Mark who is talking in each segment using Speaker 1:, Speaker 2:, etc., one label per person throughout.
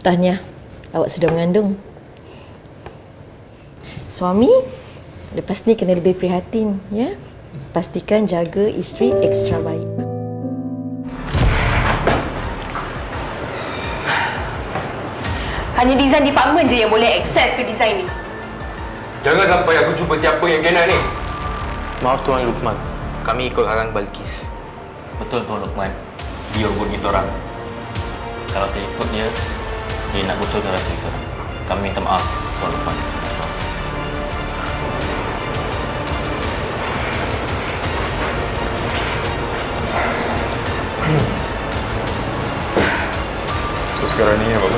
Speaker 1: Tahniah, awak sudah mengandung. Suami, lepas ni kena lebih prihatin, ya. Pastikan jaga isteri ekstra baik.
Speaker 2: Hanya design department je yang boleh akses ke design ni.
Speaker 3: Jangan sampai aku jumpa siapa yang kena ni.
Speaker 4: Maaf Tuan Luqman, kami ikut arahan Balkis.
Speaker 5: Betul Tuan Luqman, dia urut kita orang. Kalau tak ikut dia, dia nak bocorkan rahsia kita orang. Kami minta maaf Tuan Luqman.
Speaker 3: So sekarang ni apa?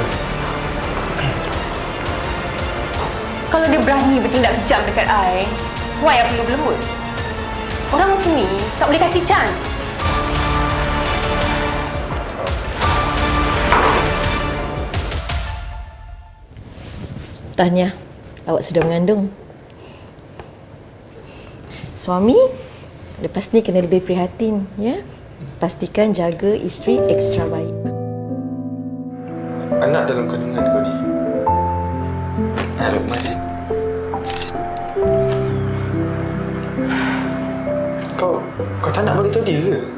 Speaker 2: Kalau dia berani bertindak kejam dekat I, why I perlu berlembut? Orang macam ni tak boleh kasih chance.
Speaker 1: Tahniah, awak sudah mengandung. Suami, lepas ni kena lebih prihatin, ya. Pastikan jaga isteri ekstra baik.
Speaker 4: Anak dalam kandungan kau ni, Luqman. Kau tak nak beritahu dia ke?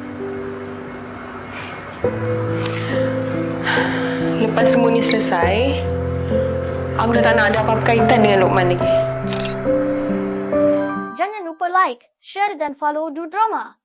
Speaker 2: Lepas semua ni selesai, aku dah tak nak ada apa-apa kaitan dengan Luqman lagi.
Speaker 6: Jangan lupa like, share dan follow Du Drama.